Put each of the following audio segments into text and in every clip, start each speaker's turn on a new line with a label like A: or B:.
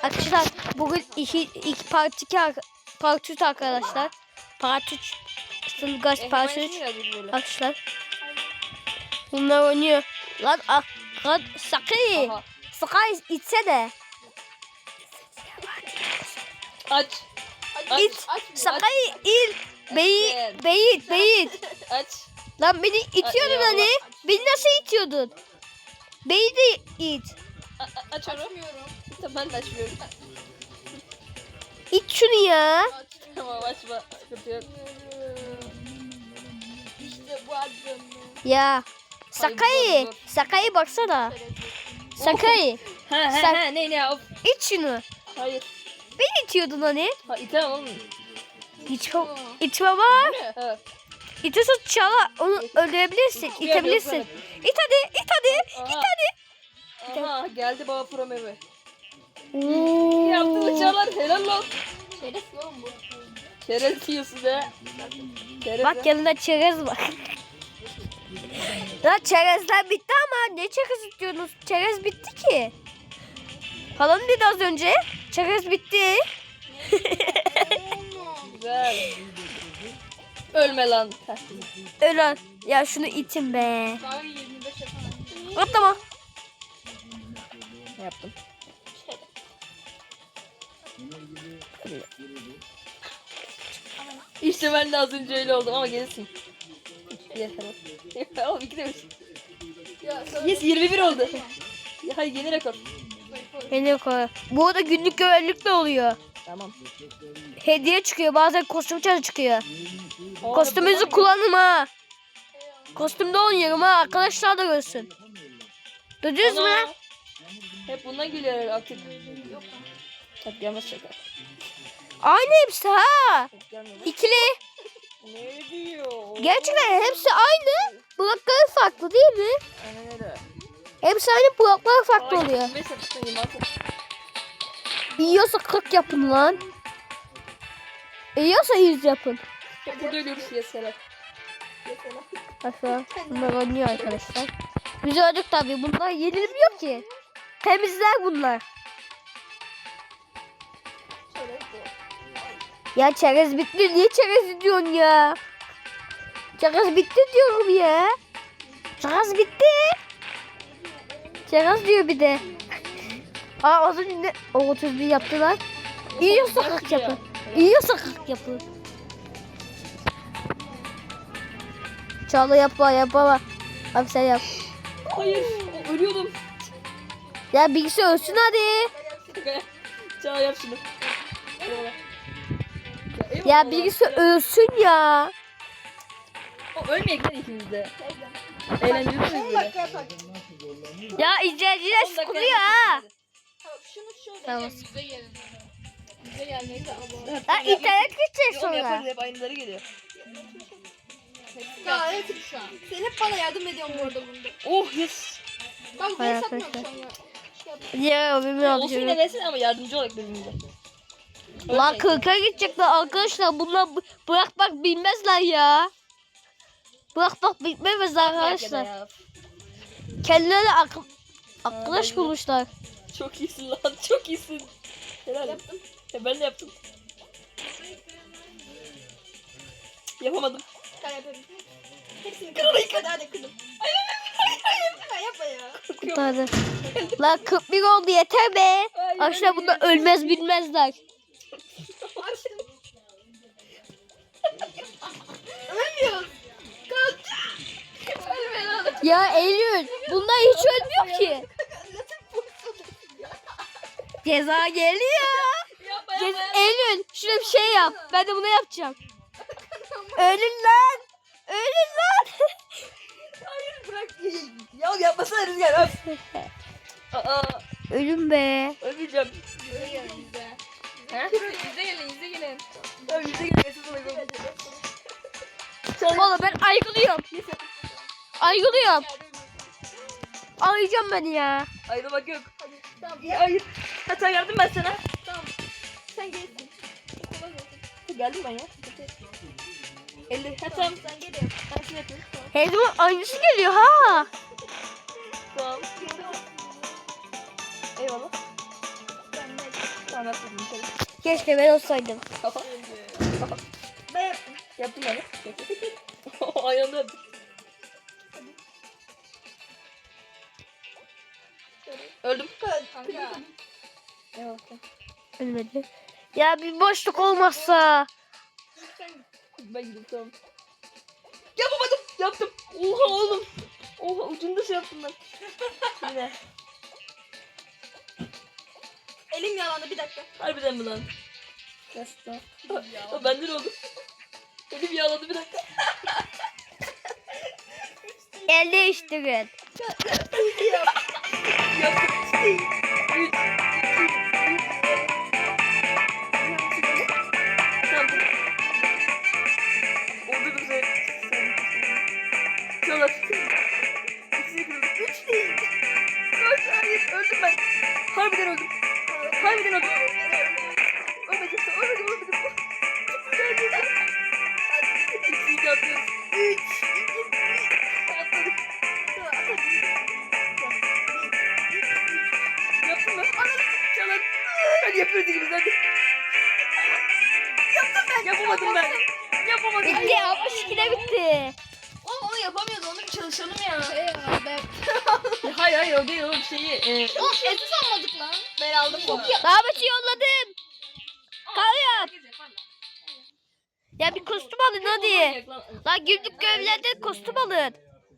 A: Arkadaşlar bugün part 3 arkadaşlar. Part 3 Sılgaz part 3 arkadaşlar. Bunlar oynuyor. Lan Sakay içsene.
B: Aç.
A: İt. Sakay il. Beyit.
B: Aç.
A: Lan beni itiyordun hani. Beni nasıl itiyordun? Beni de it.
B: Açıyorum. Tamam, ben de açmıyorum.
A: İt şunu ya.
B: Tamam, açma. Sıkıntı yok.
C: İşte bu adım.
A: Ya. Sakay'ı baksana. Sakay.
B: Ne ya? Of.
A: İt şunu.
B: Hayır.
A: Beni itiyordun hani.
B: Ha, itemem oğlum.
A: İtme var.
B: Ha.
A: İtiyorsan çala onu öldürebilirsin. İtebilirsin. İt hadi.
B: Aha, geldi baba Pro Meve.
A: Oo.
B: Yaptığını Çağlar, helal lan.
C: Şeref yok bu.
B: Çerez yiyorsun he. Çerez
A: Bak yanında çerez var. Ya çerezler bitti ama ne çerez diyorsunuz? Çerez bitti ki. Falan dedi az önce. Çerez bitti.
B: Güzel. Ölme lan.
A: Ölen. Ya şunu itin be.
C: Daha 25 yapamam.
A: Atlama.
B: Yaptım. İşte ben de az önce öyle oldum ama gelirsin. Yeter. Oğlum 2 demiş. Yes 21 oldu. Ya hayır, yeni rekor.
A: Beni koy. Bu arada günlük görevlilik de oluyor.
B: Tamam.
A: Hediye çıkıyor. Bazen kostüm çarı çıkıyor.
B: Aa,
A: Kostümünüzü
B: bu-
A: kullanın ha. Kostümde oynuyorum ha. Arkadaşlar da görsün. Duydunuz mu?
B: Ana. Hep bundan geliyor artık. Hep gelmez şaka.
A: Aynı hepsi ha.
B: Hep gelmiyor.
A: İkili.
B: Ne diyor?
A: Gerçekten hepsi aynı. Blokları farklı değil mi?
B: Aynen öyle.
A: Hepsi aynı, bloklar farklı oluyor.
B: 25 yapıştın 26.
A: Yiyorsa 40 yapın lan. Yiyorsa 100 yapın.
B: Hep burada ölüyoruz yeseler.
A: Aşağı bunlar oynuyor arkadaşlar. Biz öldük tabii. Bunlar yenilmiyor ki. Temizler bunlar. Ya çerez bitti. Niye çerez diyorsun ya? Çerez bitti diyorum ya. Çerez bitti. Çerez diyor bir de. Aa az önce o 31 yaptılar. Yiyorsa 40 yapın. Yiyorsa 40 yapın. Çağla yapma. Abi sen yap.
B: Hayır, ölüyordum.
A: Ya bilgisayar ölsün hadi.
B: Çağla yap şunu.
A: Ya bilgisayar ölsün ya.
B: O ölmeyek lan ikimiz de. Eğlenceli
C: 10
B: böyle.
C: dakika yapak.
A: Ya izleyiciler
B: 10 dakika
A: sıkılıyor ha.
C: Tamam, şunu şöyle
A: Tamam.
C: yüze gelin. Yüze gelmeyi de alalım.
A: Lan internet gidecek
B: Oğlum
A: sonra.
B: yaparız, hep aynıları geliyor.
C: Ya evet şu an. Sen hep bana yardım ediyorsun bu arada bunda.
B: Oh yes.
C: Bak ben
A: Hayır,
C: satmıyorum
A: arkadaşlar.
C: şu an ya. Şey yap.
A: Ya bilmiyorum.
B: Olsun yine versin ama yardımcı olarak birbirimize.
A: Lan 40'a gidecekler arkadaşlar. Bunlar bırakmak bilmezler ya. Bırakmak bilmezler arkadaşlar. Kendileri arkadaş bulmuşlar.
B: Çok iyisin lan, çok iyisin. Helal. Yaptım. Ben de yaptım. Yapamadım.
C: Ben yaparım. Hepsini kırdım. Hadi kırdım. Hayır. Yapma ya.
A: Hadi. Lan 41 oldu yeter be.
B: Hayır,
A: Arkadaşlar bunlar ölmez bilmezler.
C: Açtım. Ölmüyoruz. Kalk. Ölme lan.
A: Ya Eylül bunlar hiç ölmüyor ki. Ceza geliyor.
B: Yapma.
A: Eylül şuna bir şey yap. Ben de bunu yapacağım. Ölün lan. Ölün lan.
B: Hayır bırak. Ya yapmasana Rüzgar. Öf. Aa,
A: Ölün be.
B: ölmeyeceğim.
C: Yüze gelin yüze.
B: He?
C: Yüze gelin yüze gelin.
B: Ya yüze gelmesin sana.
A: Oğlum ben aygılıyorum. Aygılıyorum. Arayacağım beni ya.
B: Ayrılmak yok.
C: Tamam.
B: Hayır. Hatta yardım ben sana.
C: Tamam. Sen gelsin. Kolay gelsin.
B: Geldim ben ya. 50. Ha tamam.
C: Sen gelin.
B: Ben şunu yapayım. Tamam.
A: Her zaman aynısı geliyor ha.
B: Tamam. Eyvallah.
C: Ben ne?
B: Anlatmadım.
A: Keşke ben olsaydım.
C: Ben yaptım.
B: Yaptım ben. Aynı anda yaptık. Öldüm.
C: Kanka.
B: Evet.
A: Ölmedi. Ya bir boşluk olmazsa.
B: Ben gidiyorum tamam. Yapamadım. Yaptım. Oha oğlum. Oha ucunda şey yaptım ben. Yine.
C: Elim yalandı bir dakika.
B: Harbiden mi lan? Gerçekten. Benden oldu. Elim yağladı bir dakika.
A: El değiştirin.
B: Yaptım. 3, 2, 1. Tamam. Oldu da sen. Çalar. 3 değil. 4, hayır öldüm ben. Harbiden öldüm. Harbiden öldüm. Ölmedim. Ölmedim. İkiyi atıyoruz. 3, 2, 1. Atladık. Yaptın mı? Çalar. Hadi yapıyoruz ikimiz hadi. Yaptım ben. Yapamadım ben. Yapamadım.
A: Bitti. 62'de bitti.
C: Oğlum onu yapamıyordu. Onu bir çalışalım ya.
B: Hayır o değil oğlum şeyi.
C: Oğlum eti sanmadık lan. Ben aldım bu.
A: Davet'i yolladım. Kaya. Ya bir kostüm alın hadi. Lan günlük görevlerde kostüm alın.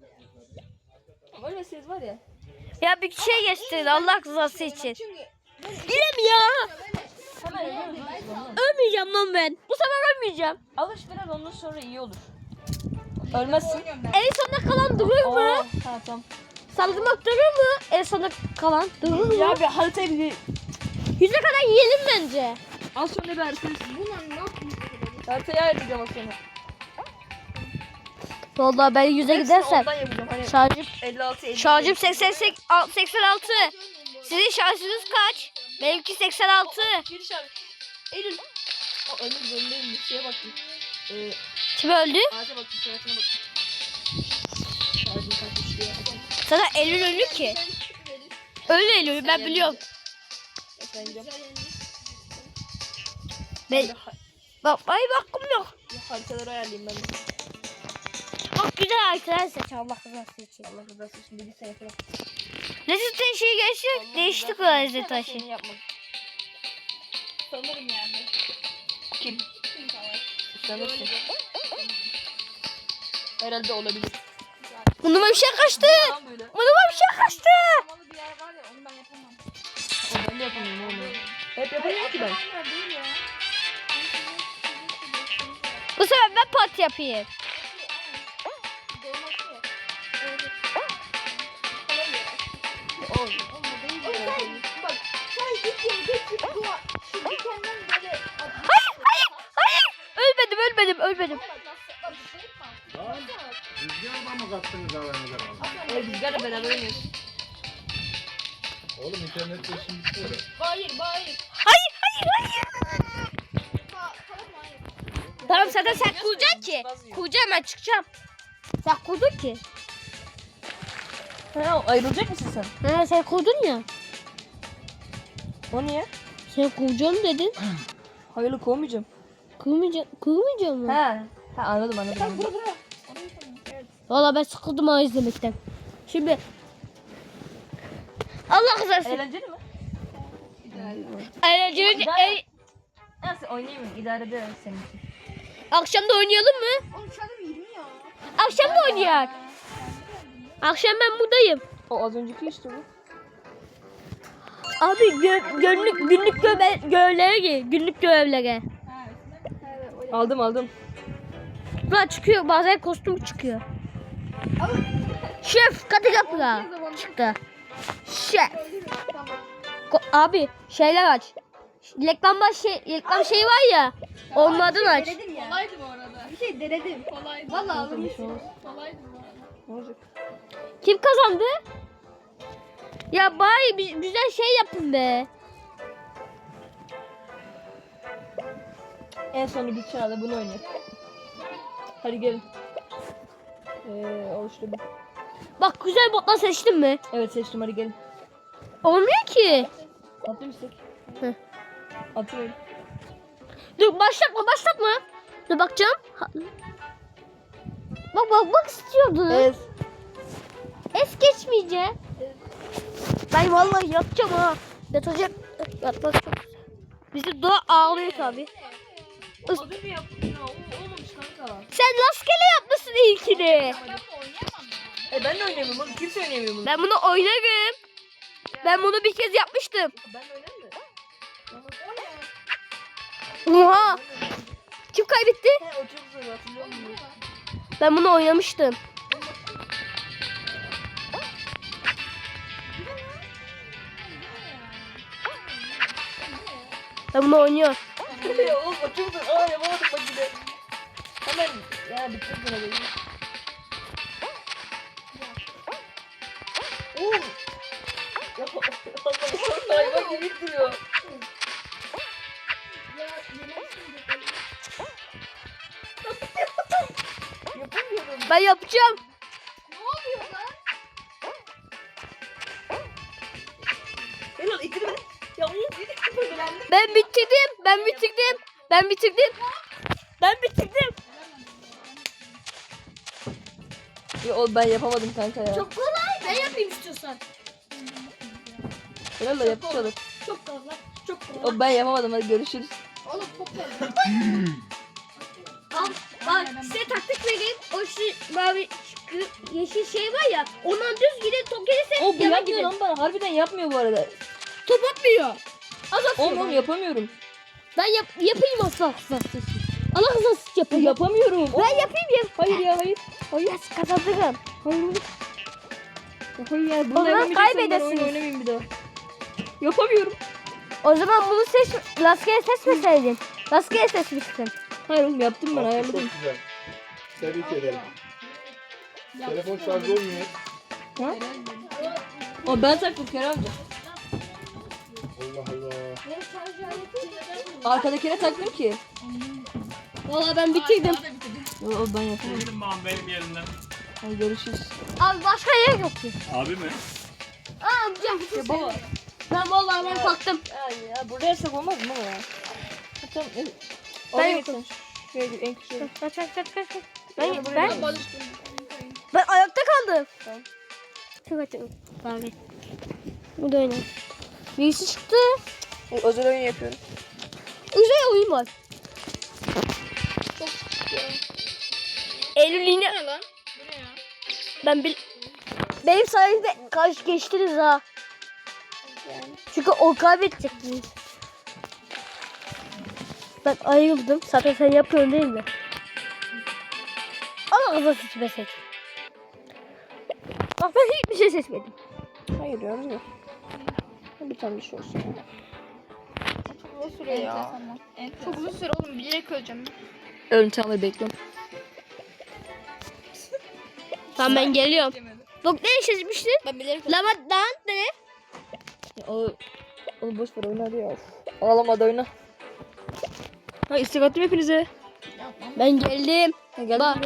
B: Öyle ses var ya.
A: Ya bir şey geçtirin Allah rızası için.
C: Çünkü
A: Bilem ya.
B: Hemen ölüyoruz.
A: Ölmeyeceğim lan ben. Bu sefer ölmeyeceğim.
B: Alış biraz ondan sonra iyi olur. Ölmezsin.
A: En sonunda kalan durur mu?
B: Ha tamam.
A: Salgınlık durur mu? En sonunda kalan durur mu?
B: Ya bir haritayı bir
A: 100'e kadar yiyelim bence.
B: al sonra bir haritayı.
C: bunlar ne yapıyor?
B: Haritayı ayarlayacağım az sonra.
A: Vallahi ben 100'e gidersem
B: Ondan yapacağım. Hani
A: şarjım
B: 56 50.
A: şarjım 86. Sizin şarjınız kaç? Benimki 86.
B: Bir şarkı. Eylül. O önümde bir şeye baktım.
A: Kim öldü?
B: Ağaca baktım, suratına baktım. Şarjım kaçmış diye.
A: Sana Eylül öldü ki. Öyle Eylül ben biliyorum.
B: Efendim.
A: Ben bak ay bakım yok.
B: Haritaları ayarlayayım ben de.
A: Bak güzel haritalar seç Allah rızası için.
B: Allah rızası için bir sene falan.
A: Lezzet taşı geçti. Değiştik o lezzet taşı.
B: Seni yapmadım.
C: Sanırım yani.
B: Kim?
C: Kim savaş?
B: Sanırsın. Herhalde olabilir.
A: Burnuma bir şey kaçtı.
B: Tam böyle.
A: Burnuma bir şey kaçtı.
C: Samalı bir yer var ya onu ben yapamam.
B: Ben de yapamıyorum oğlum. Hep yapamıyorum ki ben.
C: Onlar değil ya.
A: Bu sefer ben parti yapayım.
B: Oğlum.
C: Bak sen git yeri geç dua. Şu dikenden böyle.
A: Hayır. Ölmedim.
D: Rüzgarla mı kattınız aranıza?
B: Rüzgarla beraber oynuyoruz.
D: Oğlum internette şimdi böyle.
C: Hayır.
A: Hayır.
C: Tamam hayır.
A: Tamam zaten sen kuracaksın ki. Kuracağım ben çıkacağım. Sen kurdun ki.
B: Ha, ayrılacak mısın sen?
A: Ha sen kurdun ya.
B: O niye?
A: Sen kuracağım dedin.
B: Hayırlı kovmayacağım.
A: Kurmayacağım mı?
B: Ha anladım.
A: Valla ben sıkıldım ha izlemekten. Şimdi Allah rızası.
B: Eğlenceli mi?
A: Eğlenceli.
B: Nasıl oynayayım mı? İdare ederim senin için.
A: Akşam da oynayalım mı?
C: Oğlum şu adam 20 ya.
A: Akşam da oynayalım. Akşam ben buradayım.
B: O az önceki işte bu.
A: Abi günlük görevlere gir. Günlük görevlere.
B: Aldım.
A: Ulan çıkıyor bazen kostüm çıkıyor. Şef katı kapıra çıktı. Şef.
C: Tamam.
A: Abi şeyler aç. Reklam şeyi var ya. Onlardan aç.
C: Denedim ya. Kolaydı bu arada. Bir şey denedim. Kolaydı. Valla alırmışsın. Kolaydı bu arada.
B: Ne olacak?
A: Kim kazandı? Ya bari bir güzel şey yapın be.
B: En son bir çağda bunu oynayalım. Hadi gelin. Oluşturdum.
A: Bak güzel botlar seçtin mi?
B: Evet seçtim hadi gelin.
A: Olmuyor ki.
B: Atlayayım istek.
A: Hı.
B: Atıyorum.
A: Dur başlatma. Dur bakacağım. Bak istiyordun.
B: Evet.
A: Es geçmeyeceğim. Ben vallahi yapacağım ha. Yatmak çok güzel. Bizi doğa ağlıyor tabi.
B: Az önce yaptım ya. Olmamış kanka.
A: Sen rastgele yapmışsın ilkini.
B: Ben de oynayamıyorum oğlum. Kimse oynayamıyor bunu.
A: Ben bunu oynarım. Ben bunu bir kez yapmıştım.
B: Ben de oynarım da.
A: Oha. Kim kaybetti?
B: He o çok zor hatırlıyor musun?
A: Ben bunu oynamıştım. Ben bunu oynuyorum.
B: Ya oğlum o çok zor. Aa yapamadım bak yine. Hemen ya bitirdim sana böyle. Oğlum. Ya Allah'ım hayvan gibi duruyor. Yapamıyorum.
A: Ben yapacağım.
B: Helal ittirme. Ya oğlum
A: Ben bitirdim.
B: Ya oğlum ben yapamadım kanka ya.
C: Çok kolay. Ben yapayım istiyorsan.
B: Helal da yapışalım.
C: Çok kolay. Çok kolay.
B: Oğlum ben yapamadım hadi görüşürüz.
C: Oğlum çok kolay.
A: Al bak size taktik vereyim. O şu mavi yeşil şey var ya. Ondan düz gidin top gelirse
B: O bu
A: yana
B: yapmıyor
A: gidin.
B: lan bana. Harbiden yapmıyor bu arada.
A: Top atmıyor. Az atıyor.
B: Oğlum yapamıyorum.
A: Ben yapayım asla. Allah rızası için yapayım.
B: Yapamıyorum.
A: Ben yapayım ya.
B: Hayır ya hayır. Hayır.
A: Yes, kazanırım.
B: Hayır oğlum. Ya hayır ya.
A: O
B: Bunu
A: zaman
B: yapamayacaksam ben
A: kaybedersiniz.
B: oyun oynamayayım bir daha. Yapamıyorum.
A: O zaman bunu rastgele seçmeseydin. Rastgele seçmiştin.
B: Hayır oğlum yaptım ben ayarladım.
D: Çok güzel. Tebrik ederim. Telefon şarjı olmuyor.
B: Ha? O ben taktım Kerem amca.
D: Allah Allah.
B: Arkadakine taktım ki.
A: Valla ben bitirdim.
B: O ben yapıyorum.
E: Benim babam benim yerimden.
B: Hadi görüşürüz.
A: Abi başka yer yok ki.
E: Abi mi?
A: Aa amcam.
B: Ya baba.
A: Ben vallahi ben kalktım.
B: Ya burada yasak olmaz mı baba ya? Tamam.
A: Ben
B: Oraya
A: yokum.
B: gitsin. Şöyle en küçüğe.
A: Kaç.
B: Ben-
A: Ben ayakta kaldım.
B: Tamam.
A: Çok açık. Abi. Bu da öyle. Birisi çıktı.
B: Özel oyun yapıyorum.
A: Güzel oyun var. Eylül yine. Benim sayemde karşı geçtiniz ha. Çünkü o kaybedecektiniz. Ben ayrıldım. Zaten sen yapıyorsun değil mi? Ama kıza seçme seç. Bak ben hiçbir şey seçmedim.
B: Hayır ya Rüzgar. Bir tane bir şey olsun.
C: uzun süre ya. Çok uzun süre oğlum. Bilerek öleceğim.
B: Ölüm çağları bekliyorum.
A: Tamam ben geliyorum. Bak ne seçmiştin?
C: Ben bilerek
A: Lamadan ne?
B: Onu boş ver oyna hadi ya. Ağlama da oyna. Ha istek attım hepinize.
A: Ben geldim.
B: Gel.
A: Bak.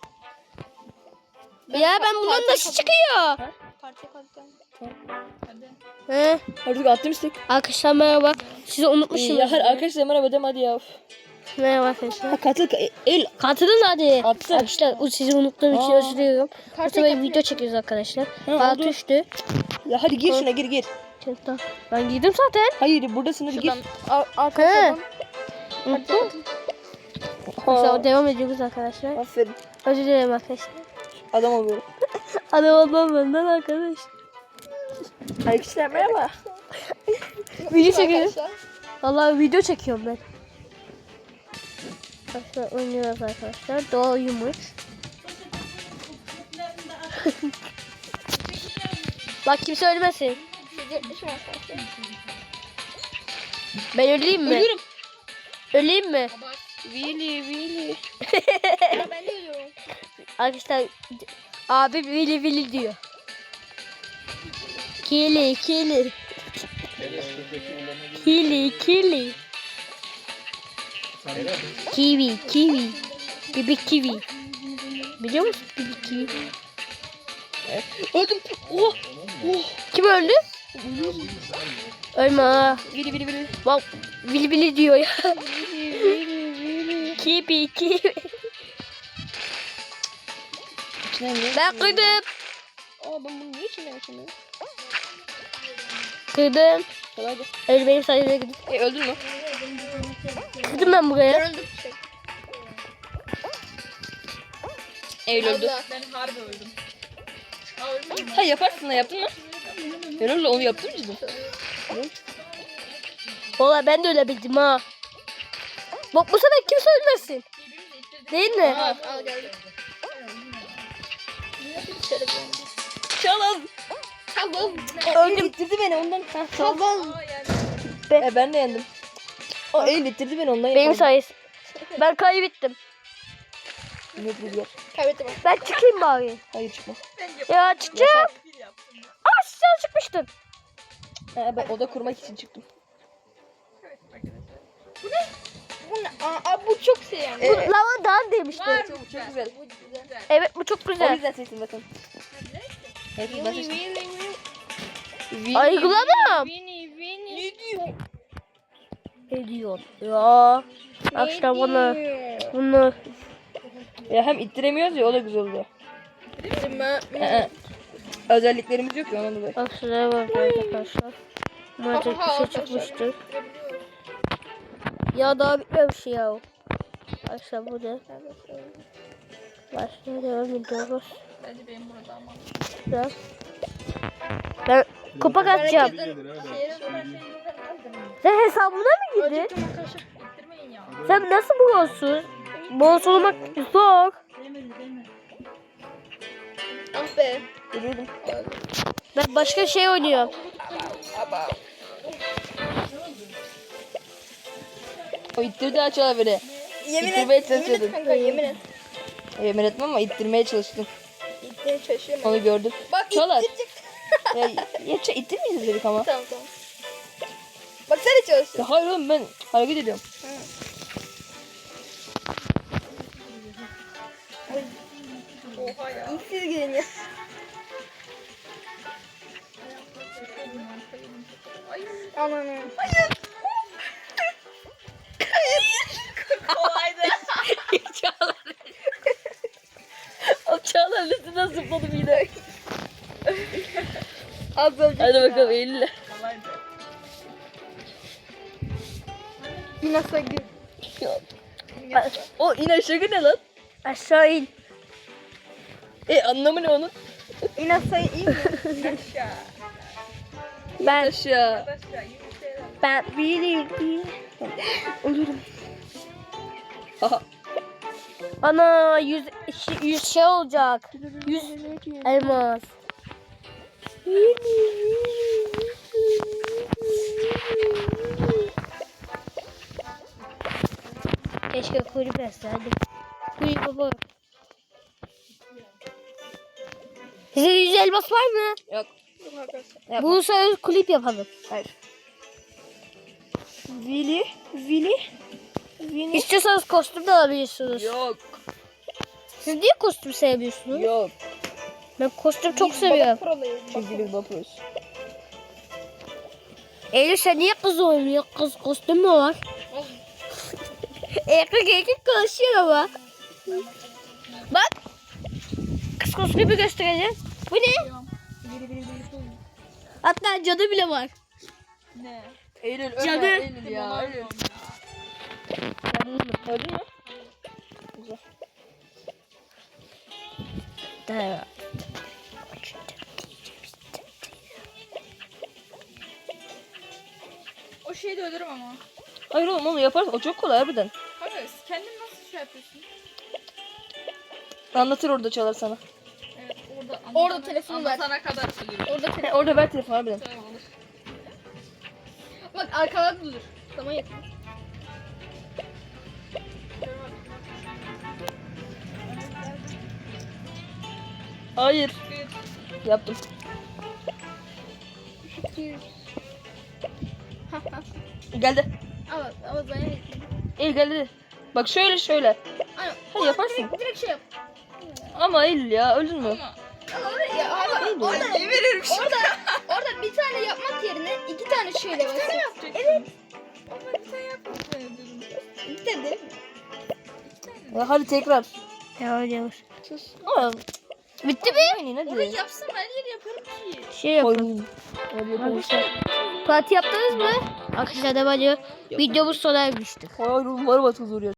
A: Ya ben bundan nasıl çıkıyor?
C: parça kalacağım.
A: He.
B: Hadi attım istek.
A: Arkadaşlar merhaba. Sizi unutmuşum.
B: Ya hadi arkadaşlar merhaba dem hadi ya.
A: Merhaba arkadaşlar.
B: Ha katıl el.
A: Katılın hadi.
B: Attım.
A: Arkadaşlar o sizi unuttuğum için
B: Aa.
A: özür diliyorum. Bu sefer video çekiyoruz arkadaşlar. Bana
B: oldu.
A: düştü.
B: Ya hadi gir şuna gir.
A: Tamam. Ben giydim zaten.
B: Hayır buradasın hadi gir.
A: He. Unuttum.
B: Ha.
A: Sonra devam ediyoruz arkadaşlar.
B: Aferin.
A: Özür dilerim arkadaşlar.
B: Adam oluyorum.
A: Adam olmam benden arkadaş.
B: Arkadaşlar merhaba.
A: Video çekiyorum. Vallahi video çekiyorum ben. Arkadaşlar oynuyoruz arkadaşlar. Doğa uyumuş. Bak kimse ölmesin. Ben öleyim mi?
B: Ölüyorum.
A: Öleyim mi?
B: Vili.
C: Ben de ölüyorum.
A: Arkadaşlar abi vili vili diyor. Kili. Kiwi. Bibi kiwi. Biliyor musun bibi kiwi?
B: Öldüm. Oh.
A: Kim öldü? Ölme ha.
B: Vili vili vili.
A: Bak vili vili diyor ya. Kipi kipi.
B: İçinden ne?
A: Ben kırdım.
B: Aa ben bunu niye içinden yaşamıyorum?
A: Kırdım.
B: Kolaydı.
A: Öyle benim sayemde gidip.
B: Öldün mü?
A: Kırdım ben buraya.
C: Öldüm.
B: Eylül öldü.
C: Allah. Ben harbi öldüm. Aa ölmedim.
B: Ha yaparsın da yaptın mı? Eylül onu yaptın mı cidden?
A: Valla ben de öyle bildim ha. Bak bu sefer kimse ölmesin. Değil mi?
C: Al geldi.
B: Çalın.
C: Tamam.
B: Öldüm. İttirdi beni ondan. Ha,
C: Tamam.
B: ben de yendim. O Eylül ittirdi beni ondan
A: Benim
B: yapamadım.
A: sayesinde. Ben kaybettim.
B: Ne rüzgar?
C: Kaybettim.
A: Ben çıkayım bari.
B: Hayır çıkma.
A: Ya çıkacağım. Aa sen çıkmıştın.
B: Ha, ben oda kurmak için çıktım.
C: Bu ne? Aa bu çok şey yani.
A: Bu lavadan demişti.
B: Çok güzel.
A: Evet bu çok
B: O
A: güzel.
B: yüzden seçtim zaten. Evet ben seçtim.
A: Aygılamam.
C: Ne diyor?
A: Ne diyor? Ya. Bak işte bunu.
B: Ya hem ittiremiyoruz ya o da güzel oluyor. Özelliklerimiz yok ya ondan dolayı.
A: Bak şuraya bak arkadaşlar. Maalesef bir şey çıkmıştır. Ya daha bitmemiş ya. Arkadaşlar bu ne? Başına devam ediyoruz.
C: Bence benim burada ama.
A: Güzel. Ben kupa atacağım. Sen hesabına mı girdin?
C: İttirmeyin ya.
A: Sen nasıl bu olsun? Boss olmak zor.
C: Ah be.
B: Biliyordum.
A: Ben başka şey oynuyorum.
B: O ittirdi açığa beni.
C: Yemin
B: İttirmeye
C: et. Yemin et
B: çalışıyordum.
C: kanka yemin et.
B: Yemin etmem ama ittirmeye çalıştım.
C: İttirmeye çalışıyorum.
B: Onu gördüm.
C: Bak
B: Çalar.
C: ittirecek.
B: Ya ittirmeyeceğiz dedik ama.
C: Tamam. Bak sen de çalışıyorsun.
B: Ya hayır oğlum ben hareket ediyorum.
C: Oha ya. İlk siz gidin ya. Ananı. Hayır. Kolaydı.
B: Çağlar. O Çağlar üstünden zıpladım yine.
C: Az önce.
B: Hadi bakalım Eylül'le.
C: Yine sagı.
B: O in aşağı ne lan?
A: Aşağı in.
B: Anlamı ne onun?
C: Yine sayı iyi mi? Aşağı.
A: Ben
B: Aşağı.
A: bilirim.
B: Ölürüm. Haha.
A: Ana 100 şey olacak. 100 elmas. Keşke kulüp etseydim. Kulüp baba. Size 100 elmas var mı?
B: Yok.
A: Bu sefer kulüp yapalım.
B: Hayır. Vili.
A: İstiyorsanız kostüm de alabilirsiniz.
B: Yok.
A: Siz niye kostüm sevmiyorsunuz?
B: Yok.
A: Ben kostüm çok seviyorum.
B: Çünkü biz bakıyoruz.
A: Eylül sen niye kız oynuyor? Kız kostüm mü var? erkek konuşuyor ama. Bak. Kız kostümü göstereceğim. Bu ne? Hatta cadı bile var.
C: Ne?
B: Eylül
A: Canı.
B: ölme Eylül ya. Eylül. Öldün mü? Güzel.
A: Da.
C: O şeyi de ölürüm ama.
B: Hayır oğlum onu yaparsın. O çok kolay harbiden.
C: Hayır, kendin nasıl şey yapıyorsun?
B: Anlatır orada Çalar sana.
C: Evet, orada telefonu ver. Anlatana kadar ölürüm.
B: Orada ver telefonu harbiden.
C: Tamam olur. Bak arkadan dur. Tamam yakın.
B: Hayır. Yaptım. Geldi.
C: Ama ben yakın.
B: Eylül geldi. Bak şöyle.
C: Aynen.
B: Ha yaparsın.
C: Direkt şey yap.
B: Ama Eylül ya öldün mü?
C: Ama Ya abi orada bir tane yapmak yerine 2 tane şöyle basın. Evet. Bitirdi.
B: Ya hadi tekrar.
A: Yavaş yavaş.
B: Sus. Ama
A: Bitti mi?
B: aynen
C: Orayı
B: hadi.
C: yapsın her yeri yaparım ki.
A: Şey yapalım.
B: Oyun. Hadi yapalım.
A: Fatih yaptınız mı? Arkadaşlar da bence videomuz sona ermiştir.
B: Hayır oğlum var batıl duruyor.